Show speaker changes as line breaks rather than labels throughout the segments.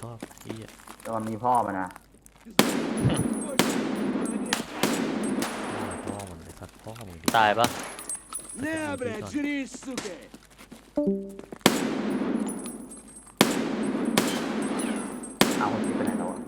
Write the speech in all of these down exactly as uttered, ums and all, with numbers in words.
ชอบพี่อ่ะ
แต่มันมีพ่อมันนะ
พ่อมันไอ้สัตว์พ่อมึงดิ
ตายปะ
Не, блядь, жри, сука!
เอาคนคิดไปไหนแล้วอะ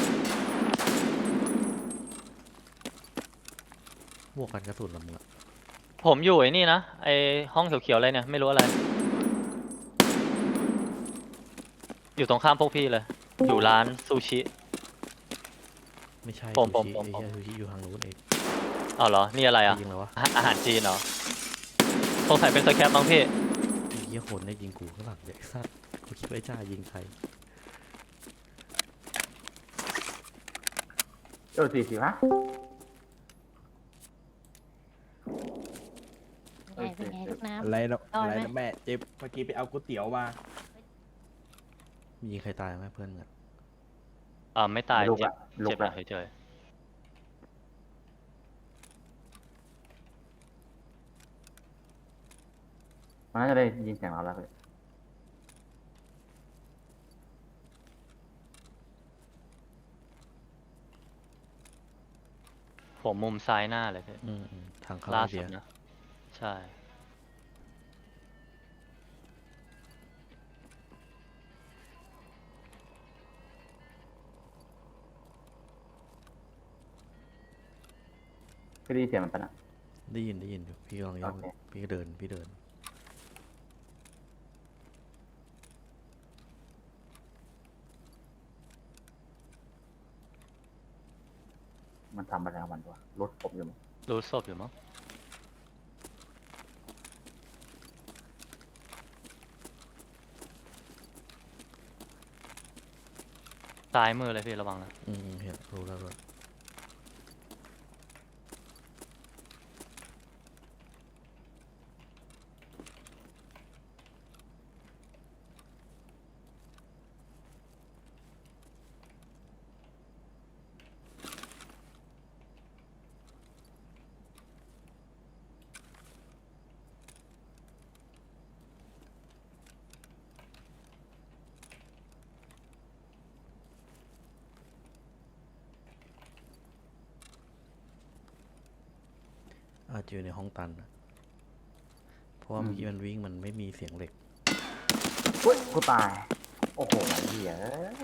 บวกกันกระสุนละมึงอะ
ผมอยู่ไอ้นี่นะไอห้องเขียวๆอะไรเนี่ยไม่รู้อะไร อยู่ตรงข้ามพวกพี่เลย อยู่ร้านซูชิ
ไม่ใช่
ผมผม
ซูชิ
ผม
ไอ้เหี้ยซูชิอยู่ทางนู้นเอง
เอาเหรอนี่อะไรอ่ะ
ยิงแล้ววะ
อาอาหารจีนเหรอสงสัยเป็นสแคปมั้งพี่
ไอ้เหี้ยคนได้ยิงกูข้างหลังเด็กสัตว์กูคิดว่าไอ้จ้ายิงใคร
เออสี่สิบฮะ
ไงเป็นไงลูกน้ำ
อะไรนะ
เอา
อะไร
ไหม
นะแม่เจ็บเมื่อกี้ไปเอาก๋วยเตี๋ยวมา
มียิงใครตายไหมเพื่อนอะ
อ่าไม่ตาย
ลุก
เจ็บ
ละลุ
เจ็
ก
บ
ละ
เฉย
มันน่าจะได้ยินเสียงเราแล้วเลย
ๆผมมุมซ้ายหน้าเลยพี่
อืมอืมทางเข้า
ล่า
ไอ
สุ
เดี
ด
ย
นะใช่
ก็ได้ยินเสียงมันปะนะ
ได้ยินได้ยินอยู่พี่ลองย่อง
โอเค
พี่ก็เดินพี่เดิน
มันทำอะไรของมันวะรถผมอยู่มั้ง
รู้ศพอยู่มั้งซ้ายมือเลยพี่ระวังนะ
อืมอืมเห็นรู้แล้วด้วย อาจจะอยู่ในห้องตันนะเพราะว่าเมื่อกี้มันวิ่งมันไม่มีเสียงเหล็ก
เฮ้ยกูตาย โอ้โหไอ้เหี้ย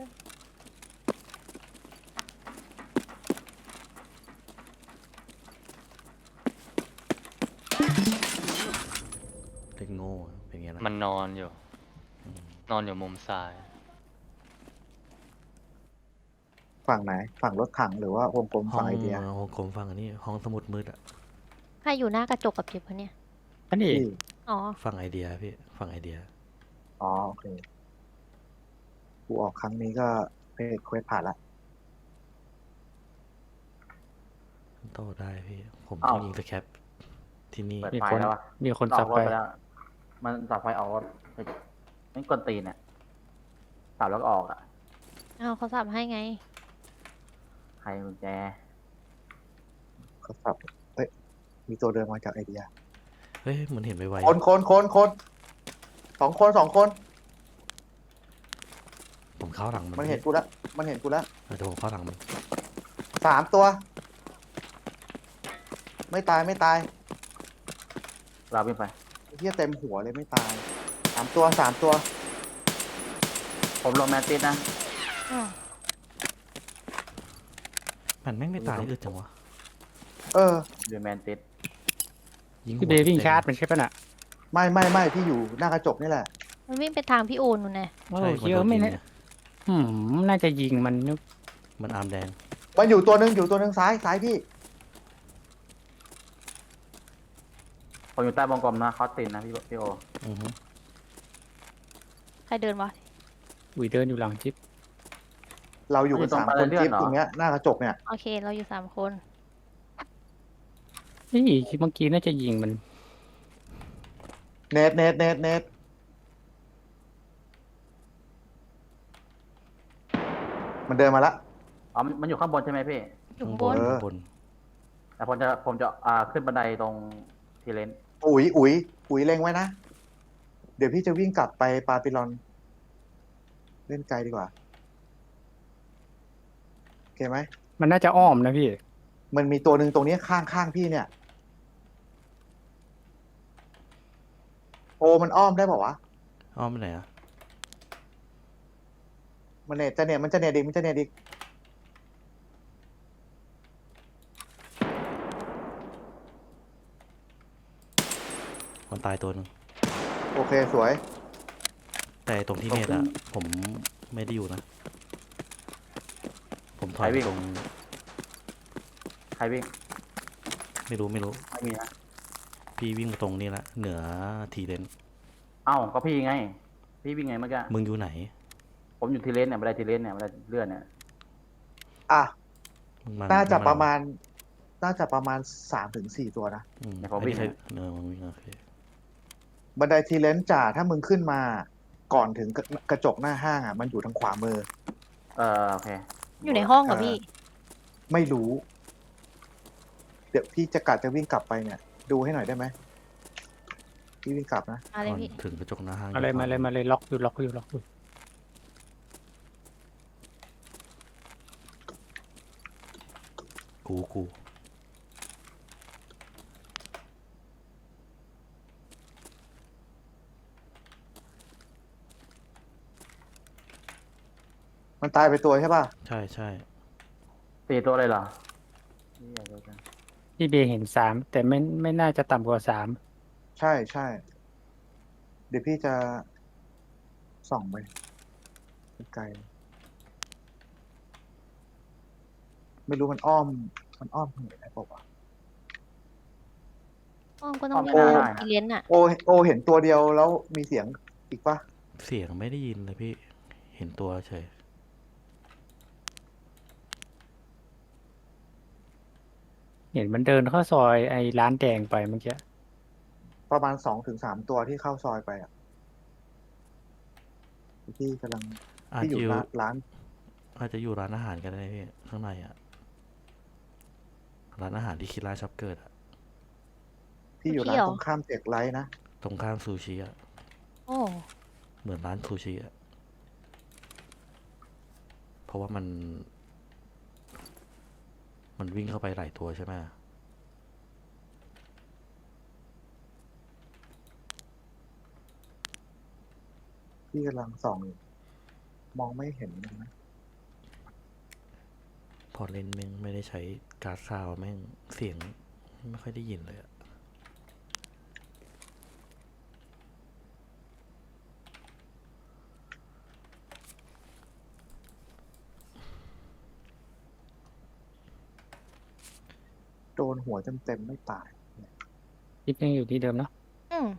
เด็กโง่เป็นไงล่ะ
มันนอนอยู่ นอนอยู่มุมซ้าย
ฝั่งไหน ฝั่งรถถังหรือว่าวงกลม
ห้อ
ฝั่
ง
งไอเดีย
ห้องกลมฟังอันนี้ห้องสมุดมืดอะ
ใครอยู่หน้ากระจกกับจิบวะเนี่ย
อันนี้
ที่
อ๋อ
ฟังไอเดียพี่ฟังไอเดีย
อ๋อโอเคกูออกครั้งนี้ก็เพจเควสผ่านละ
โต้ได้พี่ ผม
อ้าว
ต้องยิงสแคปที่นี่
เปิด
มี
ไฟ
คน
แล้ววะ
มีคน
อ
สั
อบ กร
ไป
ถไปแล้ว มันสับไฟออกรถเฮ้ยไม่กวนตีนเนี่ยสับแล้วก็ออกอ่ะ
เอาเขาสับให้ไง
ใครกุญแจ
เขาสับเอ้ยมีตัวเดินมาจากไอเดีย
เฮ้ยมันเห็นไว
คนคนคนคนสองคนสองคน
ๆผมเข้าหลังมัน
มันเห็นกูแล้วมันเห็นกูแล้ว
เออเดี๋ยวผมเข้าหลังมัน
สามตัว ไม่ตายไม่ตาย
เราวิ่งไป
เฮียเต็มหัวเลยไม่ตายสามตัวสามตัว
ผมลงแมตติสนะ
อ้าว
มันแม่งไม่ตายอึดจังวะ
เออ
ดูแมนติส
ยิง
พี่
หัว
เบย์วิ่ง
ต็ม
ชาร์จมันใช่ปะน่ะ
ไม่ไม่ไม่พี่อยู่หน้ากระจกนี่แหละ
มันวิ่งไปทางพี่โอนนู่นไง
โอ้
ใช่
เยอะไม่
นโดนยิง
เนี่ย
ไง
อืมน่าจะยิงมันนึก
มันอาร์มแดง
มันอยู่ตัวหนึ่งอยู่ตัวหนึ่งซ้ายซ้ายพี่
ผมอยู่ใต้วงกลมนะคอสตินนะพี่พี่โอ
อือฮึ
ใครเดินวะ
อุ๋ยเดินอยู่หลังจิ๊บ
เราอยู่กันสามคนจิ๊บตรงเนี้ยหน้ากระจกเนี่ย
โอเค เราอยู่สามคน
นี่เมื่อกี้น่าจะยิงมัน
เนตเนตเนตเนตมันเดินมาละ
อ๋อมันมันอยู่ข้างบนใช่ไหมพี่
อยู่
ข้าง
ข้าง
บบ น
น
เออ
ข้างบน
แต่ผมจะผมจะอ่าขึ้นบันไดตรงทีเลน
อุ๋ยอุ๋ยอุ๋ยเล็งไว้นะ เดี๋ยวพี่จะวิ่งกลับไปปาปิลอน เล่นไกลดีกว่าเคไหม
มันน่าจะอ้อมนะพี่
มันมีตัวหนึ่งตรงนี้ข้างข้างพี่เนี่ย โอมันอ้อมได้เปล่าวะ
อ้อมไปไหนอะ
มันเนี่ยจะเนี่ยมันจะเนี่ยดิมันจะเนี่ยดิ
มันตายตัวหนึง
โอเคสวย
แต่ตรงที่เนตอะผมไม่ได้อยู่นะ ผมถอย
ใครวิ่ง
ตรง
ใครวิ่ง
ไม่รู้ไม่รู้
ไม่มีนะ
พี่วิ่งมาตรงนี้ละเหนือทีเลน
เอ้าก็พี่ไง พี่วิ่งไงเมื่อกี้
มึงอยู่ไหน
ผมอยู่ทีเลนเนี่ยบันไดทีเลนเนี่ยบันไดเลื่อนเนี่ย
อ่ะ
มึงมา
น่าจะ
มึง
ประมาณ น่าจะประมาณสามถึงสี่ตัวนะ
อืม
เดี๋ยวผม
ไอ้
วิ่ง
นี่ใครเออมึงวิ่งโอเค
บันไดทีเลนส์จ่าถ้ามึงขึ้นมา ก่อนถึงกระกระจกหน้าห้างอ่ะ มันอยู่ทางขวามือ
เออโอเค
อยู่ในห้องเหรอพี่
ไม่รู้ เดี๋ยวพี่จะกัดจะวิ่งกลับไปเนี่ย ดูให้หน่อยได้ไหม พี่วิ่งกลับนะ
มาเลย
ก่อน
พี่
ถึงกระจกหน้าห้าง
อะไรมาเลยมาเลยล็อกอยู่ล็อกอยู่ล็อกอยู่
กูกู
มันตายไปตัวใช่ป่ะ
ใช่ใช่
สี่ตัวเลยเหรอเหี้ยเดี๋ยวกัน
พี่เบย์เห็นสามแต่ไม่ไม่น่าจะต่ำกว่าสาม
ใช่ใช่ เดี๋ยวพี่จะส่องไปไกลๆไม่รู้มันอ้อม มันอ้อมทางไหนได้เปล่าวะ
ห้องก็ต้อง
อ้อม
เรียก
ไม่ได้นะ
อีเลียนอะ
โอโอเห็นตัวเดียวแล้วมีเสียงอีกปะ
เสียงไม่ได้ยินเลยพี่ เห็นตัวเฉย
เห็นมันเดินเข้าซอยไอ้ร้านแดงไปเมื่อกี้
ประมาณสองถึงสามตัวที่เข้าซอยไปอ่ะพี่กำลัง
อาจ
ที่อ
จะ
ยู่
อยู่
ร้านร้าน
อาจจะอยู่ร้านอาหารกันได้พี่ข้างในอะร้านอาหารที่คิดร้านช็อปเกิดอะ
พี่อยู่ร้านตรงข้ามเจ็กไลท์นะ
ตรงข้ามซูชิอะ
โอ้
เหมือนร้านซูชิอะเพราะว่ามัน มันวิ่งเข้าไปหลายตัวใช่ไหม
พี่กำลังส่องอยู่มองไม่เห็นเลยนะ
พอเล่นแม่งไม่ได้ใช้การ์ดซาวด์แม่งเสียงไม่ค่อยได้ยินเลยอะ
โดนหัวเต็มๆไม่ตาย
จิ๊บยังอยู่ที่เดิมเนาะ
อืม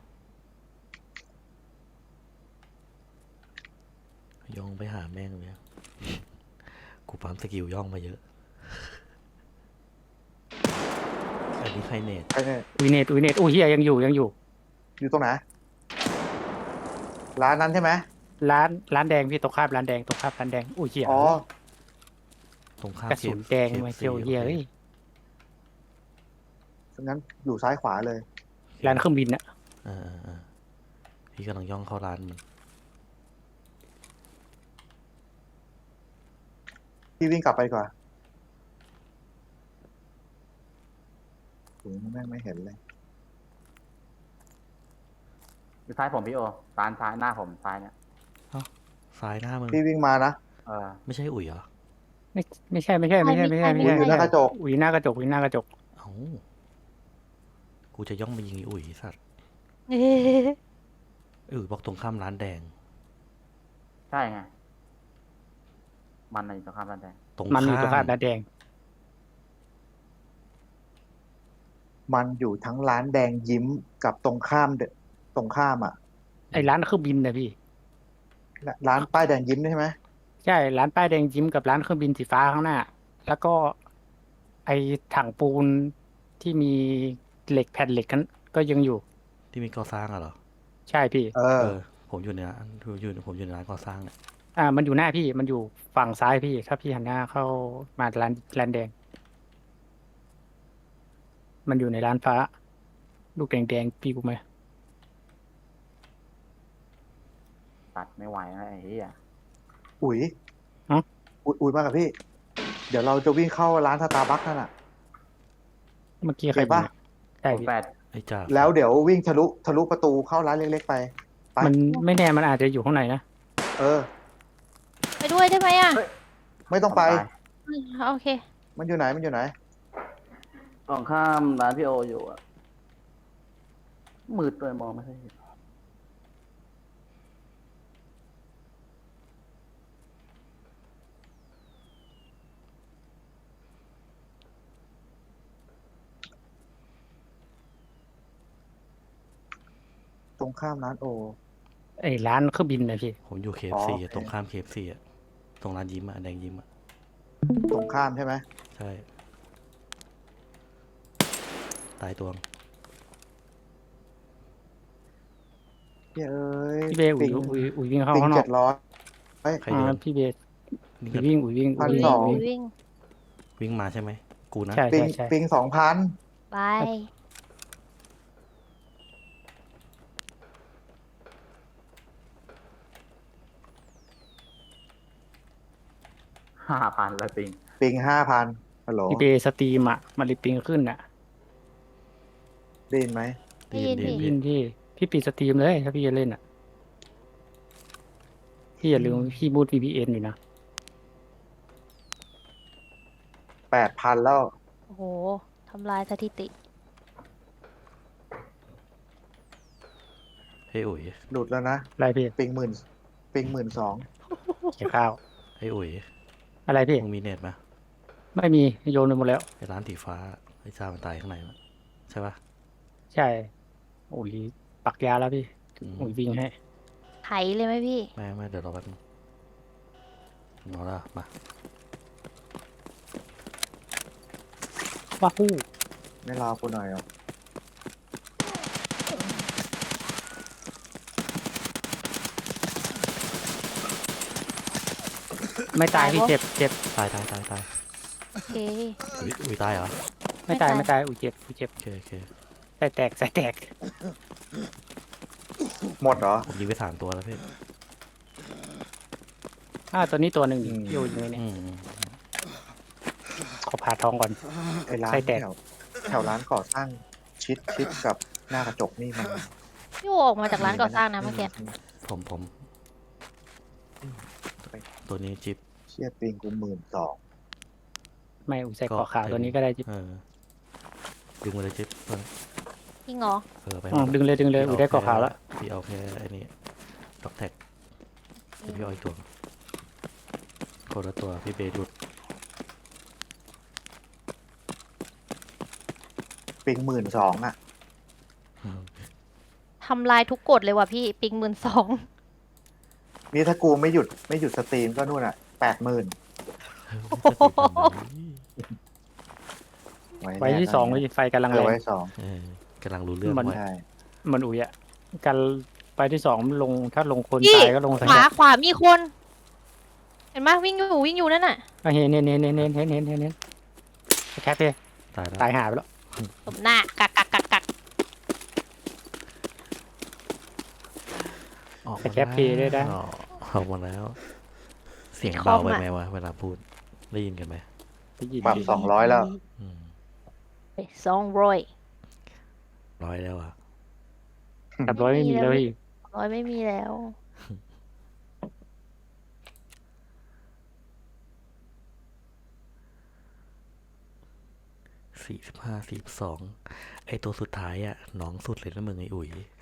ย่องไปหาแม่งเลย กูปั๊มสกิลย่องมาเยอะ อันนี้ใครเนต
ไอ้เนี่ย
อุยเนตอุยเนตอุ้ยเฮียยังอยู่ยังอยู่
อยู่ตรงไหน ร้านนั้นใช่ไหม
ร้านร้านแดงพี่ตรงข้ามร้านแดงตรงข้ามร้านแดงอุ้ยเฮีย
อ๋อ
ตรงข้าม
กระสุนแดงมาเจียวเฮีย
เค
เอ้ย
งั้นอยู่ซ้ายขวาเลย
ร้านเครื่องบินอะ
เออเออเออพี่กำลังย่องเข้าร้านมัน
พี่วิ่งกลับไปดีกว่าโหแม่งไม่เห็นเลย
อยู่ท้ายผมพี่โอซ้ายซ้ายหน้าผมซ้ายเนี่ย
ซ้ายหน้ามึง
พี่วิ่งมานะ
เออ
ไม่ใช่อุ๋ยเหรอ
ไม่ไม่ใช่ไม่ใช่ไม่ใช่ไม่ใช่ไม่
อุ้ย
ใช่
อยู่หน้ากระจก
อุยหน้ากระจกอุยหน้ากระจก
เอ้า กูจะย่องไปยิงไอ้อุ๋ยไอ้สัตว์
เอ๊ะ
เออบอกตรงข้ามร้านแดง
ใช่ไง มันน่ะอยู่ตรงข้ามร้านแดง
ตรง
มันอยู่ตรง
ข้า
ข้าม
ม
ร้านแดง
มันอยู่ทั้งร้านแดงยิ้มกับตรงข้ามเดตรงข้ามอ่ะ
ไอ้ร้านเครื่องบินนะพี่
ร้านป้ายแดงยิ้มใช่ไหม
ใช่ร้านป้ายแดงยิ้มกับร้านเครื่องบินสีฟ้าข้างหน้า แล้วก็ ไอ้ถังปูนที่มีเหล็กแผ่นเหล็กนั้นก็ยังอยู่
ที่มีก่อสร้างอะเหรอ
ใช่พี่
เออ
เออ ผมอยู่ในร้านอยู่ผมอยู่ในร้านก่อสร้างเนี่ย
อ่า มันอยู่หน้าพี่มันอยู่ฝั่งซ้ายพี่ ถ้าพี่หันหน้าเข้ามาร้านร้านแดง มันอยู่ในร้านฟ้า ลูกแดงๆพี่กูไหม
ตัดไม่ไหวนะไอ้เหี้ย
อุ๋ย
ฮะ
อุ๋ยอุ๋ยมากับพี่เดี๋ยวเราจะวิ่งเข้าร้านสตาร์บัคนั่นน่ะ
เมื่อกี้ใคร
เห็นปะ
ยิงอะใช่
คูณ
พี่
แปด
ไอ้จ่า
แล้วเดี๋ยววิ่งทะลุทะลุประตูเข้าร้านเล็กๆไป ไป
มันไม่แน่มันอาจจะอยู่ข้างในนะ
เออ
ไปด้วยได้ไหมอ่ะ
ไม่ต้องไป
อืมโอเค
มันอยู่ไหนมันอยู่ไหน
ตรงข้ามร้านพี่โออยู่อะมืดเลยมองไม่ค่อยเห็น
ตรงข้ามร้านโอ
ไอ้ร้านเครื่องบินนะพี่
ผมอยู่เค
อ๋
ฟ
อ
ซี
โอเค
ตรงข้ามเคฟซีอะตรงร้านยิ้มอะแดงยิ้มอะ
ตรงข้ามใช่ไหม
ใช่ ตายตัวง
เย้ย
พี่เบย์อุ๋
ปิ
ย
ง
อุ๋ยอุ๋ยวิ่งเข้า
ปิง
ข้างนอ
เจ็
ก
ดร้อย
ใคร
อ่า
เดิน
พี่เบย์
นี่
อุ๋
ก็
ยวิ่งอุ๋ยวิ่ง
พั
อุ๋
น
ย
ส
วิ่ง
อง
อุ๋ยวิ่ง
วิ่ง
วิ่งมาใช่ไหม กูนะ
ใช่
ปิง
ใช่ใช่
ปิงสองพัน
ไป
ห้าพันเลยปิง
ปิงห้าพันฮัลโหล
พี่เบย์สตรีมอ่ะมันรีปิงขึ้นอ่ะ
ได้ยินไหม
ได้ยิน
ดี
พี่
ยินพี่พี่ปิดสตรีมเลยถ้าพี่จะเล่นอ่ะพี่อย่าลืมพี่บูท วี พี เอ็น อยู่นะ
แปดพันแล้ว
โอ้โหทำลายสถิติ
เฮ้ยอุ๋ย
หลุดแล้วนะ
อะไรพี่
ปิงหมื่นปิงหมื่นสอง
เกี่ยวข้าว
เฮ้ยอุ๋ย
อะไรพี่
มึงมีเน็ตไหม
ไม่มีโยนไปหมดแล้ว
ไอ้ร้านสีฟ้าไอ้จ่ามันตายข้างในมั้ยใช่ปะ
ใช่โอ้ยปักยาแล้วพี่
อืม
โอ้ยวิ่งให้
ไถเลยไหมพี่
ไม่ไม่เดี๋ยวรอแป๊บนึงเอาละมา
ว้าฮู้
ไม่รอกูหน่อยเหรอ
ไม่ตายพี่
ตายปะ
เจ็บเจ็บ
ตายตายตายตาย
โอเค
อุ๋ยอุ๋ยตายเหรอ
ไม่ตาย
ไม่
ไม่
ตา
ตาย ยอุ้ยเจ็บอุ้ยเจ็บ
โอเคโอเค
ใส่แตกใส่แตก
หมดเหรอ
ผมยิงไปสามตัวแล้วพี่
อ่าตัวนี้ตัวหนึ่ง
อืม
โยนอยู่เนี่ย
อืมอืม
ขอผ่าทองก่อน
ไอ้ร้าน
ไส้แตก
แถวแถวร้านก่อสร้างชิดชิดกับหน้ากระจกนี่มัน
พี่โอออกมาจากร้านก่อสร้างนะเมื่อกี้
ผมผมตัวนี้จิ๊บ
เชี่ยปิงกูหมื่นสอง
ไม่อุ้ยใส่ขอขาวตัวนี้ก็ได้จิบ
เออดึงมาเลยจิ๊บเออ
จริงเหรอ
เออไป
อ๋อดึงเลยดึงเลยอุ้ยได้ขอขาวแล้ว
พี่เอาแค่ไอ้นี่ด็อกแท็กเดี๋ยวพี่เอาอีกตัวคนละตัวพี่เบย์หลุด
ปิงหมื่นสองอ่ะ
ทำลายทุกกฎเลยว่ะพี่ ปิงหมื่นสอง
นี่ถ้ากูไม่หยุดไม่หยุดสตรีมก็นู่นอ่ะแปดหมื่น
ไว้ที่สองไว้ไฟกำลัง
เอ
แร
อง ไว้สอง
เออกำลังรู้เรื่อง
มัน
ไว้
ใช่
มันอุ้ยอ่ะการไฟที่สองมันลงถ้าลงคน
พี่
ตายก็ลงใส่
ขวาขวามีคน เห็นไหมวิ่งอยู่วิ่งอยู่นั่นน่ะ
อ่ะเห็นเห็นเห็นเห็นเห็นเห็นเห็นเห็นเห็นแคปเลย
ตายแล้ว
ตายหายไปแล้ว
ตบหน้า กักกักกักกัก
ออก
แต่แคปเพย์ได้ได้
อ๋อออกมาแล้ว เสียงเบาไปไหมวะเวลาพูดได้ยินกันไหม
ได้ยิน
ปรับสองร้อยแล้ว
อืม
สองร้อย
ร้อยแล้วอ่ะ
กับร้อยไม่มีแล้วพี่
ร้อยไม่มีแล้ว
สี่สิบห้าสี่สิบสองไอตัวสุดท้ายอ่ะหน้องสุดเลยนะมึงไออุ๋ย